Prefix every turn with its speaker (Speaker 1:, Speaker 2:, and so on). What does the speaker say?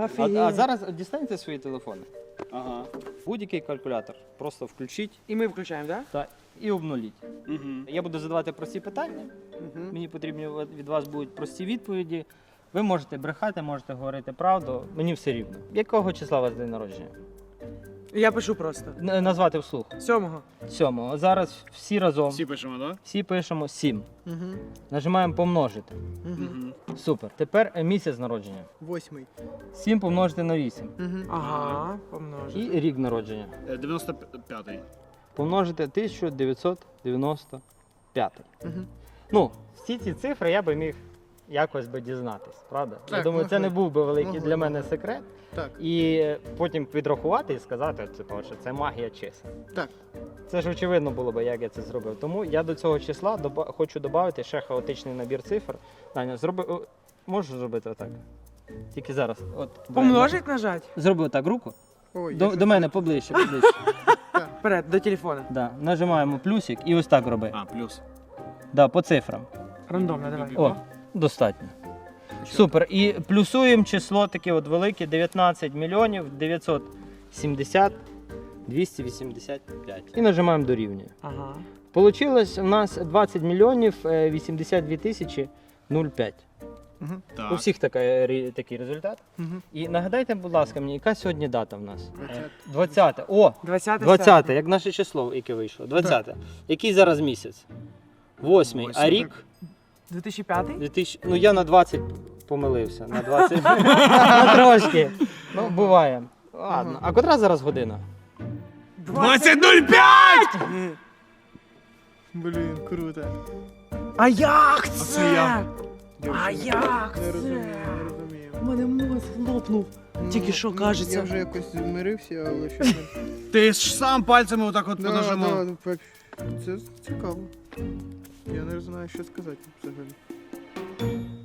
Speaker 1: А зараз дістаньте свої телефони.
Speaker 2: Ага.
Speaker 1: Будь-який калькулятор. Просто включіть
Speaker 3: І ми включаємо, так?
Speaker 1: та і обнуліть.
Speaker 2: Угу.
Speaker 1: Я буду задавати прості питання. Мені потрібні від вас будуть прості відповіді. Ви можете брехати, можете говорити правду. Мені все рівно. Якого числа у вас день народження?
Speaker 3: Я пишу просто.
Speaker 1: Назвати вслух.
Speaker 3: 7-го.
Speaker 1: 7. Зараз всі разом.
Speaker 2: Всі пишемо, так?
Speaker 1: Всі пишемо 7.
Speaker 4: Угу.
Speaker 1: Нажимаємо помножити.
Speaker 2: Угу.
Speaker 1: Супер. Тепер місяць народження.
Speaker 4: 8.
Speaker 1: 7 помножити на 8.
Speaker 4: Угу.
Speaker 3: Ага, помножити.
Speaker 1: І рік народження.
Speaker 2: 95-й.
Speaker 1: Помножити 1995.
Speaker 4: Угу.
Speaker 1: Ну, всі ці цифри я би міг якось би дізнатись, правда? Я
Speaker 4: Так,
Speaker 1: думаю, це
Speaker 4: могли.
Speaker 1: не був би великий
Speaker 4: Могли.
Speaker 1: для мене секрет.
Speaker 4: Так.
Speaker 1: І потім підрахувати і сказати, що це магія чисел.
Speaker 4: Так.
Speaker 1: Це ж очевидно було б, як я це зробив. Тому я до цього числа хочу додати ще хаотичний набір цифр. Даня, можеш зробити отак? Тільки зараз. От,
Speaker 3: Помножить нажать?
Speaker 1: Зроби отак руку.
Speaker 4: Ой,
Speaker 1: До мене поближче, поближче.
Speaker 3: Вперед, до телефона.
Speaker 1: Да. Нажимаємо плюсик і ось так роби.
Speaker 2: А, плюс.
Speaker 1: Да, по цифрам.
Speaker 3: Рандомно, давай.
Speaker 1: О, достатньо. Супер. І плюсуємо число таке от велике 19 мільйонів 970 285. І нажимаємо дорівнює.
Speaker 3: Ага.
Speaker 1: Получилось у нас 20 мільйонів 82 тисячі 0,5.
Speaker 4: Угу.
Speaker 2: Так.
Speaker 1: У всіх такий результат.
Speaker 4: Угу.
Speaker 1: І нагадайте, будь ласка, мені, яка сьогодні дата в нас?
Speaker 4: 20.
Speaker 1: 20. О,
Speaker 3: 20
Speaker 1: 20, як наше число, яке вийшло. 20. Який зараз місяць? 8. А
Speaker 2: Восьмий.
Speaker 1: рік?
Speaker 3: 2005?
Speaker 1: 2000, ну я на 20 помилився, на 20. На трошки. Ну, буває. Ладно. А котра зараз година?
Speaker 2: 20.05!
Speaker 4: Блін, круто.
Speaker 3: А як
Speaker 2: це
Speaker 3: це?
Speaker 2: як?
Speaker 3: А як
Speaker 4: Не розумію,
Speaker 3: це?
Speaker 4: не розумію.
Speaker 3: У мене мозг лопнув. Тільки що,
Speaker 4: Ну,
Speaker 3: кажеться.
Speaker 4: Я вже якось змирився, але щось не...
Speaker 2: Ти ж сам пальцями отак от
Speaker 4: Да,
Speaker 2: понажимав.
Speaker 4: да, це цікаво. Я не знаю, що сказати взагалі.